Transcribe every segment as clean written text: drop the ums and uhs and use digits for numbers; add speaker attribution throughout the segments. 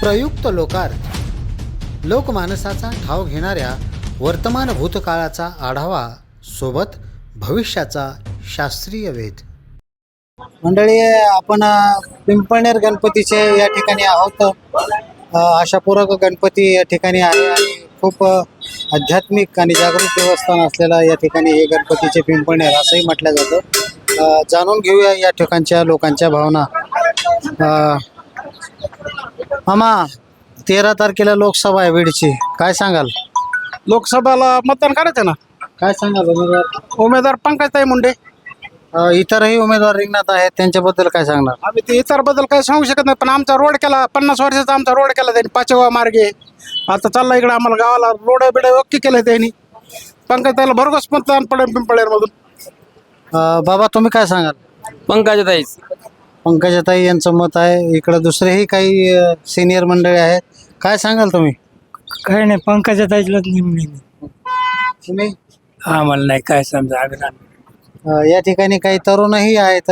Speaker 1: प्रयुक्त लोकार्थ लोकमानसाचा ठाव घेणाऱ्या वर्तमान भूतकाळाचा आढावा सोबत भविष्याचा शास्त्रीय वेध। मंडळी, आपण पिंपळनेर गणपतीचे या ठिकाणी आहोत। आशापूरक गणपती या ठिकाणी आहे आणि खूप आध्यात्मिक आणि जागृत देवस्थान असलेला या ठिकाणी हे गणपतीचे पिंपळनेर असंही म्हटलं जातं। जाणून घेऊया या ठिकाणच्या लोकांच्या भावना। मामा, 13 तारखेला लोकसभा आहे बीडची, काय सांगाल?
Speaker 2: लोकसभेला मतदान करायचं ना।
Speaker 1: काय सांगाल
Speaker 2: उमेदवार पंकजताई मुंडे।
Speaker 1: इतरही उमेदवार रिंगणात आहेत, त्यांच्याबद्दल काय सांगणार?
Speaker 2: आम्ही ते इतर बद्दल काही सांगू शकत नाही, पण आमचा रोड केला 50 वर्षाचा आमचा रोड केला त्यांनी, 5व्या मार्गे। आता चालला इकडे आम्हाला गावाला रोड बिड ओके केलं त्यांनी। पंकजताईला भरघोस मतदान पडेल पिंपळनेर मधून।
Speaker 1: बाबा, तुम्ही काय सांगाल?
Speaker 3: पंकजताईच।
Speaker 1: पंकजाताई यांचं मत आहे। इकडे दुसरेही काही सिनियर मंडळी आहेत, काय सांगाल तुम्ही?
Speaker 4: काही नाही, पंकजाताईला निवडून
Speaker 1: तुम्ही?
Speaker 4: आम्हाला नाही काय समजा आग्रह।
Speaker 1: या ठिकाणी काही तरुणही आहेत,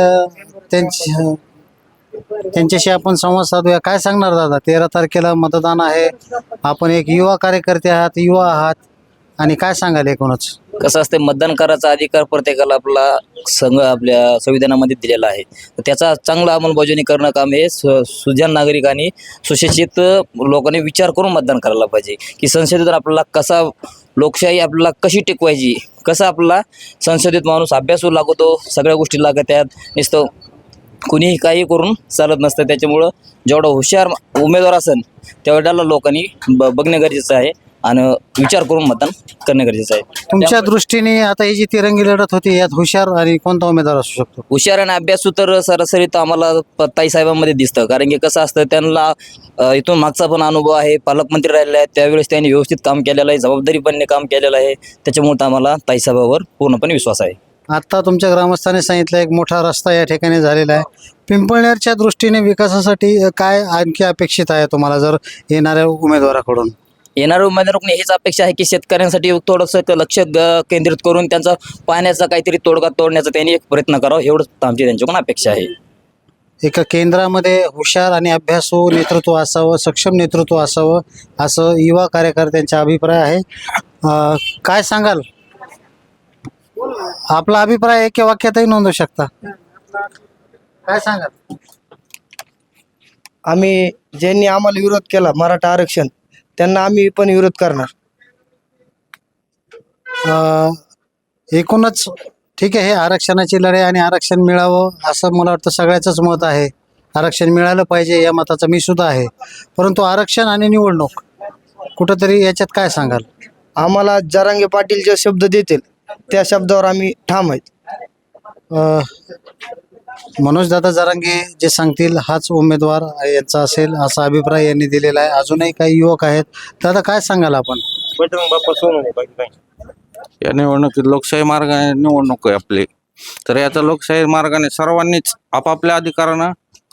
Speaker 1: त्यांच्याशी आपण संवाद साधूया। काय सांगणार दादा? 13 तारखेला मतदान आहे, आपण एक युवा कार्यकर्ते आहात, युवा आहात, आणि काय सांगाल एकूणच?
Speaker 3: कसं असते, मतदान करायचा अधिकार प्रत्येकाला आपला संघ आपल्या संविधानामध्ये दिलेला आहे, तर त्याचा चांगला अंमलबजावणी करणं काम हे सुजाण नागरिक आणि सुशिक्षित लोकांनी विचार करून मतदान करायला पाहिजे की संसदेतून आपल्याला कसा लोकशाही आपल्याला कशी टिकवायची, कसा आपला संसदेत माणूस अभ्यासू लागतो, सगळ्या गोष्टी लागत त्यात नुसतं कुणीही काही करून चालत नसतं। त्याच्यामुळं जेवढा हुशार उमेदवार असेल तेवढ्याला लोकांनी बघणे गरजेचं आहे आणि विचार करून मतदान करणे गरजेचं आहे।
Speaker 1: तुमच्या दृष्टीने आता ही जी तिरंगी लढत होती, यात हुशार आणि कोणता उमेदवार असू शकतो?
Speaker 3: हुशार आणि अभ्यासू तर सरासरी तर आम्हाला ताईसाहेबांमध्ये दिसतं, कारण की कसं असतं, त्यांना इथून मागचा पण अनुभव आहे, पालकमंत्री राहिलेले आहेत, त्यावेळेस त्यांनी व्यवस्थित काम केलेलं आहे, जबाबदारीपणे काम केलेलं आहे, त्याच्यामुळे आम्हाला ताईसाहेबावर पूर्णपणे विश्वास आहे।
Speaker 1: आता तुमच्या ग्रामस्थांनी सांगितलं एक मोठा रस्ता या ठिकाणी झालेला आहे। पिंपळनेरच्या दृष्टीने विकासासाठी काय आणखी अपेक्षित आहे तुम्हाला जर येणाऱ्या उमेदवाराकडून?
Speaker 3: येणाऱ्या उमेदवाराकडून हीच अपेक्षा आहे की शेतकऱ्यांसाठी थोडंसं लक्ष केंद्रित करून त्यांचा पाण्याचा काहीतरी तोडगा तोडण्याचा त्यांनी एक प्रयत्न करावा, एवढंच आमची त्यांच्याकडून अपेक्षा आहे।
Speaker 1: एका केंद्रामध्ये हुशार आणि अभ्यासू नेतृत्व असावं, सक्षम नेतृत्व असावं, असं युवा कार्यकर्त्यांचा अभिप्राय आहे। काय सांगाल? आपला अभिप्राय एका वाक्यातही नोंदवू शकता, काय सांगाल?
Speaker 5: आम्ही ज्यांनी आम्हाला विरोध केला मराठा आरक्षण, त्यांना आम्ही पण विरोध करणार।
Speaker 1: एकूणच ठीक आहे, हे आरक्षणाची लढाई आणि आरक्षण मिळावं असं मला वाटतं सगळ्याचंच मत आहे। आरक्षण मिळालं पाहिजे या मताचा मी सुद्धा आहे, परंतु आरक्षण आणि निवडणूक कुठंतरी याच्यात काय सांगाल?
Speaker 5: आम्हाला जरांगे पाटील जे शब्द देतील त्या शब्दावर आम्ही ठाम आहेत।
Speaker 1: मनोज दादा जरांगे जे सांगतील हाच उमेदवार यांचा असेल असा अभिप्राय यांनी दिलेला आहे। अजूनही काही युवक आहेत, दादा काय सांगाल आपण?
Speaker 6: या निवडणुकीत लोकशाही मार्गाने निवडणूक आहे आपली, तर याचा लोकशाही मार्गाने सर्वांनीच आपापल्या अधिकारानं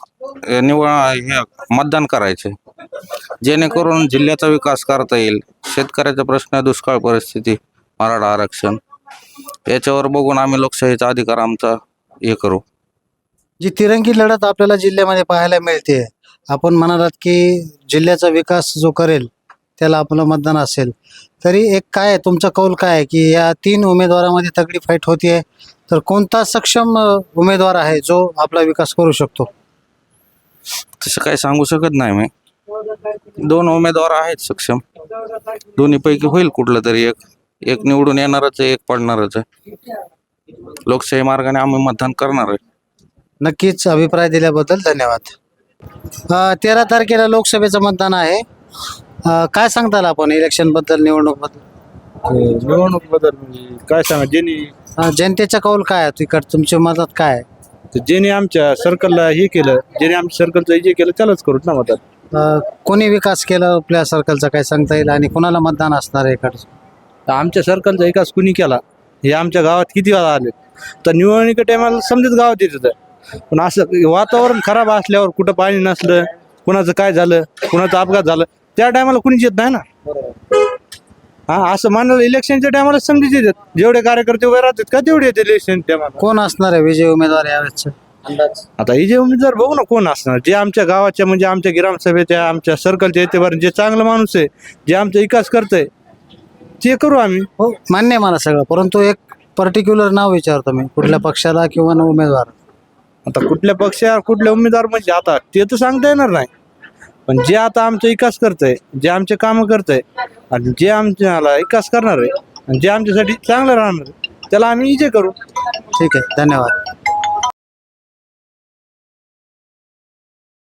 Speaker 6: मतदान करायचे, जेणेकरून जिल्ह्याचा विकास करता येईल। शेतकऱ्याचा प्रश्न, दुष्काळ परिस्थिती, मराठा आरक्षण याच्यावर बघून आम्ही लोकशाहीचा अधिकार आमचा हे करू।
Speaker 1: जी तिरंगी लढत आपल्याला जिल्ह्यामध्ये पाहायला मिळते, आपण म्हणालात की जिल्ह्याचा विकास जो करेल त्याला आपलं मतदान असेल, तरी एक काय तुमचा कौल काय आहे की या 3 उमेदवारामध्ये तगडी फाईट होतीये, तर कोणता सक्षम उमेदवार आहे जो आपला विकास करू शकतो?
Speaker 6: तसं काही सांगू शकत नाही मी। 2 उमेदवार आहेत सक्षम, दोन्हीपैकी होईल कुठलं तरी एक निवडून येणारच आहे, एक पडणारच आहे। लोकशाही मार्गाने आम्ही मतदान करणार आहे।
Speaker 1: नक्कीच, अभिप्राय दिल्याबद्दल धन्यवाद। 13 तारखेला लोकसभेचं मतदान आहे, काय सांगताल आपण इलेक्शन बद्दल, निवडणूक बद्दल?
Speaker 2: निवडणूक बद्दल म्हणजे काय सांगा, ज्यांनी
Speaker 1: जनतेचा कौल काय आहे तिकड, तुमच्या मतात काय आहे?
Speaker 2: ज्यांनी आमच्या सर्कलला हे केलं, ज्यांनी आमच्या सर्कलचं जे केलं त्यालाच करू ना मतदान।
Speaker 1: कोणी विकास केला आपल्या सर्कलचा काय सांगता येईल, आणि कोणाला मतदान असणार आहे इकडचं?
Speaker 2: आमच्या सर्कलचा विकास कुणी केला हे आमच्या गावात किती वेळा आले, तर निवडणुकी टायमाला समजत गावात येत होतं, पण असं वातावरण खराब असल्यावर, कुठं पाणी नसलं, कुणाचं काय झालं, कुणाचा अपघात झालं, त्या टायमाला कुणीच येत नाही ना। असं मानलं इलेक्शनच्या टायमाला समजून येतात, जेवढे कार्यकर्ते उभे राहतात का तेवढे येते इलेक्शन टायमाला।
Speaker 1: कोण असणार आहे विजय उमेदवार यावेळेस? अंदाज
Speaker 2: आता हे जे उमेदवार बघू ना कोण असणार, जे आमच्या गावाच्या म्हणजे आमच्या ग्रामसभेच्या आमच्या सर्कलच्या येतेवर जे चांगलं माणूस आहे, जे आमचा विकास करतंय ते करू आम्ही.
Speaker 1: हो मान्य आहे मला सगळं, परंतु एक पर्टिक्युलर नाव विचारतो मी, कुठल्या पक्षाला किंवा उमेदवार.
Speaker 2: आता कुठल्या पक्षावर कुठल्या उमेदवार म्हणजे आता ते तर सांगता येणार नाही, पण जे आता आमचा विकास करतंय, जे आमचे कामं करतंय आणि जे आमच्याला विकास करणार आहे आणि जे आमच्यासाठी चांगलं राहणार आहे, त्याला आम्ही विजय करू.
Speaker 1: ठीक आहे, धन्यवाद.